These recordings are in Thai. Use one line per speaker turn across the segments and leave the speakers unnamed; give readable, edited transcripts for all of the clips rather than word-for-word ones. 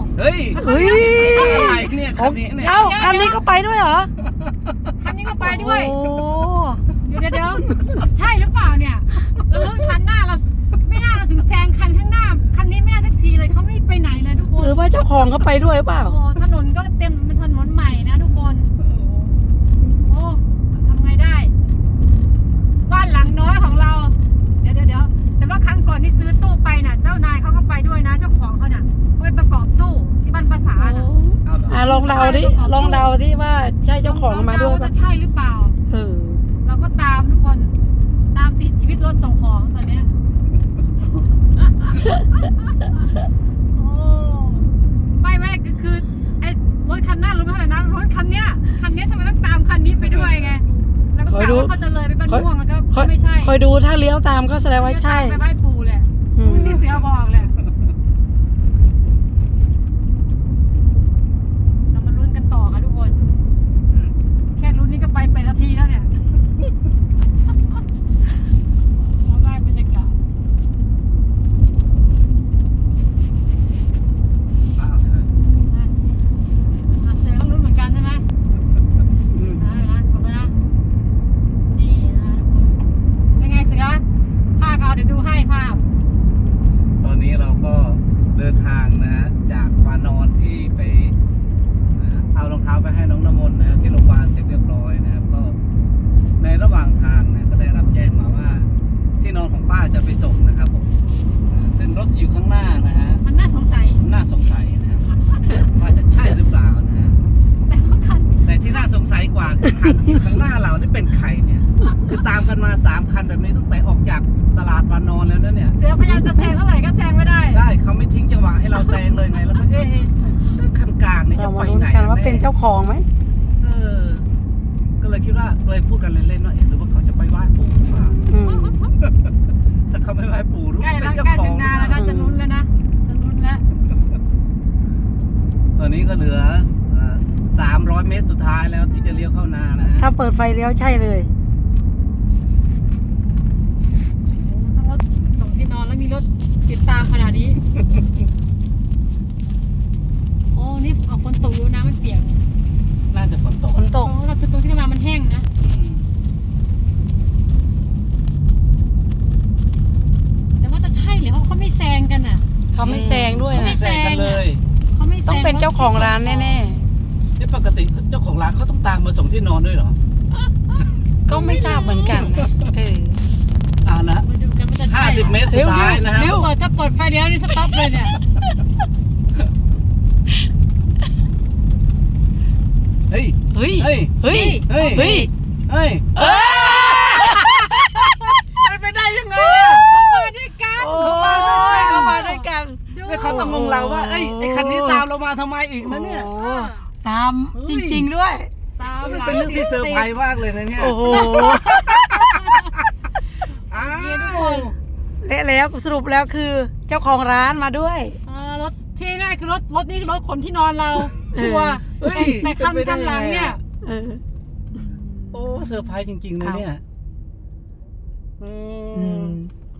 เฮ้ย
เฮ้ย
อะไรเนี่ยคันนี้เนี่ย
เอ้าคันนี้ก็ไปด้วยเหรอ
คันนี้ก็ไปด้วย
โอ้
เดี๋ยวใช่หรือเปล่าเนี่ยคันหน้าเราไม่น่าเราถึงแซงคันข้างหน้าคันนี้ไม่น่าสักทีเลยเขาไม่ไปไหนเลยทุกคน
หรือว่าเจ้าของเขาไปด้วยหรือเปล่า
โอ้ถนนก็เต็มเป็นถนนใหม่นะทุกคนโอ้ทำไงได้บ้านหลังน้อยของเราเดี๋ยวแต่ว่าครั้งก่อนที่ซื้อตู้ไปน่ะเจ้านายเขาก็ไปด้วยนะเจ้าของเขาน่ะเขาไปประกอบตู้ที่บ้านภาษาน่ะ
เอาเหรอ
ลองเดาดิว่าใช่เจ้าของมาด้วย
ว่า
ป่ะ
จะใช่หรือเปล่า
เออ
เราก็ตามทุกคนตามติดชีวิตรถส่งของตอนเนี้ย โอ้ไม่คือไอ้รถคันหน้ารถไม่เท่าไหร่นะรถคันเนี้ยทำไมต้องตามคันนี้ไปด้วยไงแล้วก็กะว่าเขาจะเลยไปบ้านม่วงมันก็ไม่ใช่
คอยดูถ้าเลี้ยวตามก็แสดงว่าใช่
ไปไหว้ปู่แหละ
อืม
ที่เสือบอกแหละเรามาลุ้นกันต่อค่ะทุกคน แค่ลุ้นนี่ก็ไปนาทีแล้วเนี่ยมองได้บรรยากาศ
เอาไปเลย
เสือต้องลุ้นเหมือนกันใช่ไหม
อืม
นะกดไปนะนี่นะทุกคนเป็นไงเสือภาพเอาเดี๋ยวดูให้ภาพ
ตอนนี้เราก็เดินทางนะฮะจากวานอนที่ไปเอารองเท้าไปให้น้องน้ำมนต์นะฮะที่โรงพยาบาลเสร็จเรียบร้อยนะครับก็ในระหว่างทางนะก็ได้รับแจ้งมาว่า ที่นอนของป้าจะไปส่งนะครับผมซึ่งรถที่อยู่ข้างหน้านะฮะ
มันน่าสงสัย
น่าสงสัยนะครับว่าจะใช่หรือเปล่านะฮะ
แต่ว่าคัน
แต่ที่น่าสงสัยกว่าคือคันที่อยู่ข้างหน้าเรานี่เป็นใครเนี่ยคือตามกันมา3คันแบบนี้ตั้งแต่ออกจากตลาดวานอนแล้วนะเนี่ย
เสือพยายามจะแซงเท่าไหร่ก็แซงไม่ได้
ใช่เขาไม่ทิ้งจังหวะให้เราแซงเลยไงแล้วก็คันกลางนี่
เรา
จะ
มา
ไป
ลุ้น
ไหน
กันว่าเป็นเจ้าของไหม
เออก็เลยคิดว่าเลยพูดกันเล่นๆว่าหรือว่าเขาจะไปไหว้ปู่หรือเปล่า
อืม
ถ้าเขาไม่ไหว้ปู่รู้
ใกล้
เป็น
แล้ว
เจ้า
ใกล้
ขอ
ถึ
ง
งนาแล้วนะจะลุ้นแล้วนะจะลุ้นแล้ว
ตอนนี้ก็เหลือ300 เมตรสุดท้ายแล้วที่จะเลี้ยวเข้านานะฮะ
ถ้าเปิดไฟเลี้ยวใช่เลย
ถ้ารถส่งที่นอนแล้วมีรถติดตามขนาดนี้ โอ้นี่เอาฝนตกอยู่น้ำมันเปียกเนี่ย
น่าจะฝนตก
ฝนตก
โอ้แต่ตรงที่มามันแห้งนะ
อืม
แต่ว่าจะใช่เหรือเพราะเขาไม่แซงกันอ่ะ
เขาไม่แซงด้วย
เขาไม่
นะ
แซงกันเลย
เขาไม่แซง
ต้องเป็นเจ้าของร้านแน่
นี่ปกติเจ้าของร้านเขาต้องตามมาส่งที่นอนด้วยเหรอ
ๆ ก็ไม่ทราบเหมือนกันนะเออ
นะ
มาดูกันว่าจะใช่
50 เมตรสุดท้ายนะฮะ
เร็วถ้าเปิดไฟเลี้ยวนี่สต็อปเลยเนี่ย
เฮ้ย
เฮ้ย
เฮ้ย
เฮ้ย
เฮ้ย
เฮ้ย
เฮ้ย
เออ
เป็นไปได้ยังไงอ่ะ
เขามาด้วยกัน
โอ้ยเขามาด้วยกัน
เนี่ยเขาต้องงงเราว่าเอ้ยไอ้คันนี้ตามเรามาทำไมอีกนะเนี่ย
โอ้ตามจริงๆด้วย
ตาม
มันเป็นเรื่องที่เซอร์ไพรส์มากเลยนะเนี่ย
โอ้โห
อ้าว
และแล้วสรุปแล้วคือเจ้าของร้านมาด้วย
รถที่แน่คือรถนี่คือรถขนที่นอนเราชัวร์
เฮ้ย
แต่คัน
เป็ไปได้
ข้างหลังเนี่ย
เออ
โอ้เซอร์ไพรส์จริงๆเลยเนี่ยอื
อื
ม
ม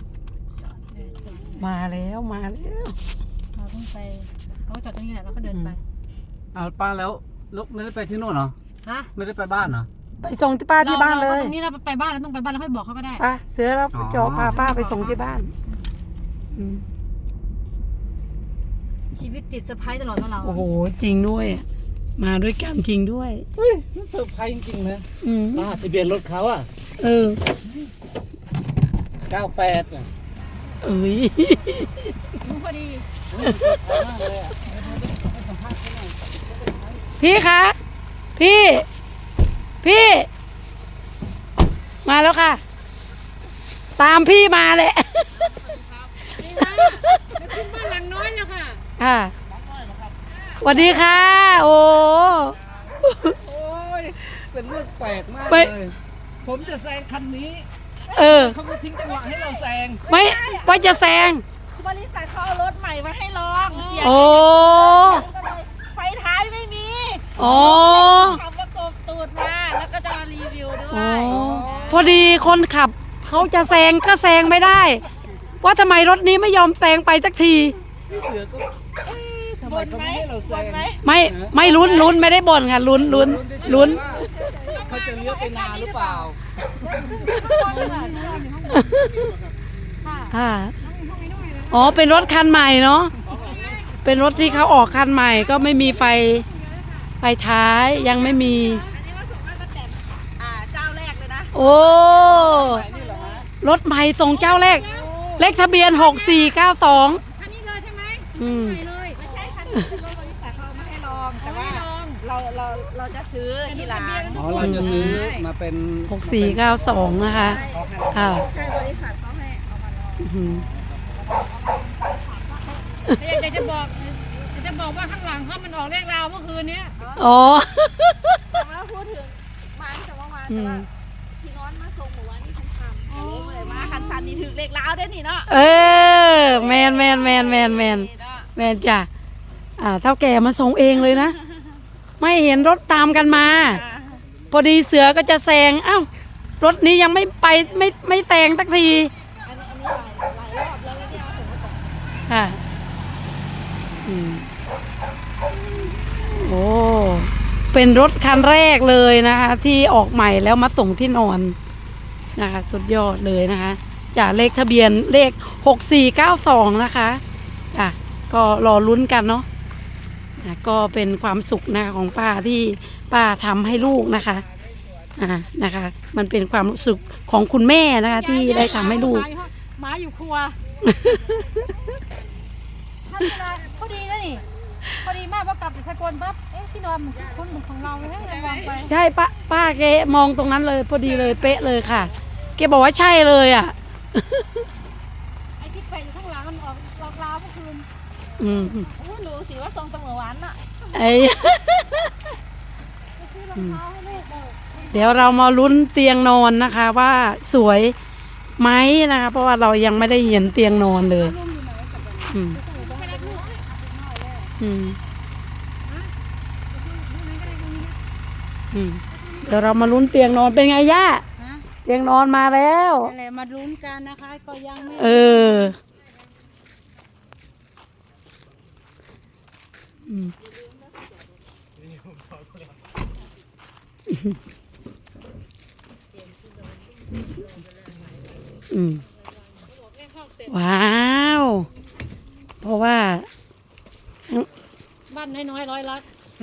มาแล้วมาแล้ว
เราต้องไปเราก็จอดตรงนี้แหละแล้วก็เดินไป
เอาป้าแล้วไม่ได้ไปที่โน่นเหรอ
ฮะ
ไม่ได้ไปบ้านเหรอ
ไปส่งที่ป้าที่บ้านเลย
ตรงนี้เราไปบ้านเราต้องไปบ้านแล้วค่อยบอกเขาก็ได้
ป้าเสือแล้ว
อ๋อ
จอพาป้าไปส่งที่บ้านอืม
ชีวิตติดเซอร์ไพรส์ตลอดของเรา
โอ้โหจริงด้วย มาด้วยกันจริงด้วย
เฮ้ยมันเซอร์ไพรส์จริงๆนะ
อืม
ทะเบียนรถเขาอ่ะ
เออ
98อ่ะ
เอ้ย
รู้พอดี
พี่คะ พี่ พี่ มาแล้วค่ะ ตามพี่มาแหละ
นี่นะจะขึ้นบ้านหลังน้อยแล้วค่ะ
ค่ะสวัสดีค่ะ โอ้
โอ้ยเป็นเรื่องแปลกมาก
ไป
เลยผมจะแซงคันนี้
เออ
เขาก็ทิ้งจังหวะให้เราแซง
ไม่ว่าจะแซง
บริษัทเขาเอารถใหม่มาให้ลองเสียง
โอ้
ก็เลยไฟท้ายไม่มี
โอ้
ขับประกบตูดมาแล้วก็จะมารีวิวด้ว
โอ้
ย
พอดีคนขับเขาจะแซงก็แซงไม่ได้ ว่าทำไมรถนี้ไม่ยอมแซงไปสักที
พี่เสือก็เอ๊ะทำไมไมเขาไม่ให้เราแซง
ไม่ลุ้นไม่ได้บ่นค่ะลุ้น
เขาจะเลี้ยวไปนาหรือเปล่า
ค่ะอ๋อเป็นรถคันใหม่เนาะเป็นรถที่เขาออกคันใหม่ก็ไม่มีไฟท้ายยังไม่มี
อันนี้ว่าส่งมาตั้งแต่เจ้าแรกเลยนะ
โอ้รถใหม่ส่งเจ้าแรกเลขทะเบียน6492
คันนี้เลยใช่ไหม
อืม
ใช่เลย
ไม่ใช่คันนี้เป็นรถบริษัทเขาไม่ให้ลอง แต่ว่าเราจะซื้อทีหลัง
อ๋อเราจะซื้อมาเป็น
6492นะคะค่ะ
ใช่บริษัทเขาให้เอามาลอง
อื้อหือ
แต่อยากจะบอกว่าข้างหลังเขามันออกเลขราวเมื่อคืนนี้
อ๋อ
แต่ว่าพูดถึงมาแต่ว่ามาแต่ว่าพี่น้อนมาส่งหมู่วันนี่คันทำเลยมาคันสันนี่ถึงเลขล้าวได้นี่เนาะ
เออแมนจ้ะเท่าแก่มาส่งเองเลยนะ ไม่เห็นรถตามกันมา พอดีเสือก็จะแซงเอ้ารถนี้ยังไม่ไปไม่แซงสักที
อันนี้หลายรอบแล้วเนี่ยเอาถึงมาส่ง
ค่ะโอ้เป็นรถคันแรกเลยนะคะ ที่ออกใหม่แล้วมาส่งที่นอนนะคะสุดยอดเลยนะคะจากเลขทะเบียนเลข6492นะคะจ้ะก็รอลุ้นกันเนาะก็เป็นความสุขนะคะของป้าที่ป้าทำให้ลูกนะคะนะคะ มันเป็นความรู้สึกของคุณแม่นะคะที่ได้ทำให้ลูก
หมาอยู่ครัวท่านเวลาพอดีนะนี่พอดีมากพอกลับจากสกลปั๊บที่นอนมันคุ้นเหมือนของเราเลยให้เราวางไป
ใช่ป้าแกมองตรงนั้นเลยพอดีเลยเป๊ะเลยค่ะแกบอกว่าใช่เลยอ่ะ
ไอ้ที่แปะอยู่ข้างหลังมันออกราวเมื่อคืน
รู้สิว่าทรงเสมอวันน่ะ
ไอ้
ไปซื้อรองเท้าให้ลูกเลย
เดี๋ยวเรามาลุ้นเตียงนอนนะคะว่าสวยไหมนะคะเพราะว่าเรายังไม่ได้เห็นเตียงนอนเลยอืมอืมอืมเดี๋ยวเรามาลุ้นเตียงนอนเป็นไงย่าเตียงนอนมาแล้ว
อะไรมาลุ้นกันนะคะก็ยังไม่
เอออืมอืมว้าว เพราะว่า
บ้านน้อยๆร้อยลัก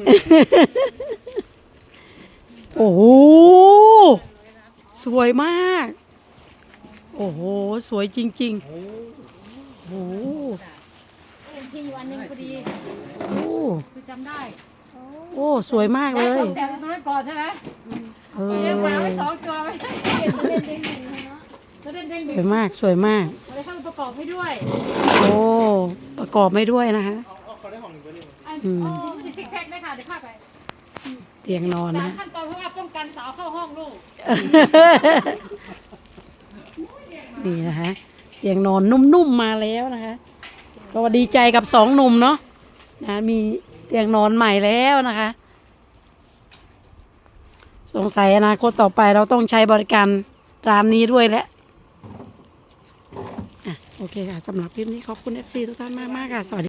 โอ้โห สวยมาก โอ้โห สวยจริงๆ โอ้โห
ที่อยู่อันหนึงพอดี
โอ้
คือจำได้
โอ้ สวยมากเล
ได้
ย
200,000น้อยก่อนใช่ไหม
เอ
เลี้ยงหมาไว้
อ
2 ตัวไว้แล้วเล่นเด้ง
ส
ดึง
วยมาก สวยมาก
เราได้เข้ามาประกอบให้ด้วย
โอ้ ประกอบไม่ด้วยนะคะ
มันจะซิกแซกได้ค่ะเดี๋ยวพาไป
เตียงนอน
3
นะ
ขั้นตอนเพราะว่าป้องกันสาวเข้าห้องลูก
นี่นะคะเตียงนอนนุ่มๆมาแล้วนะคะก็ดีใจกับสองหนุ่มเนาะนะมีเตียงนอนใหม่แล้วนะคะ สงสัยอนาคตต่อไปเราต้องใช้บริการร้านนี้ด้วยแหละโอเคค่ะสำหรับคลิปนี้ขอบคุณ FC ทุกท่านมากๆค่ะสวัสดี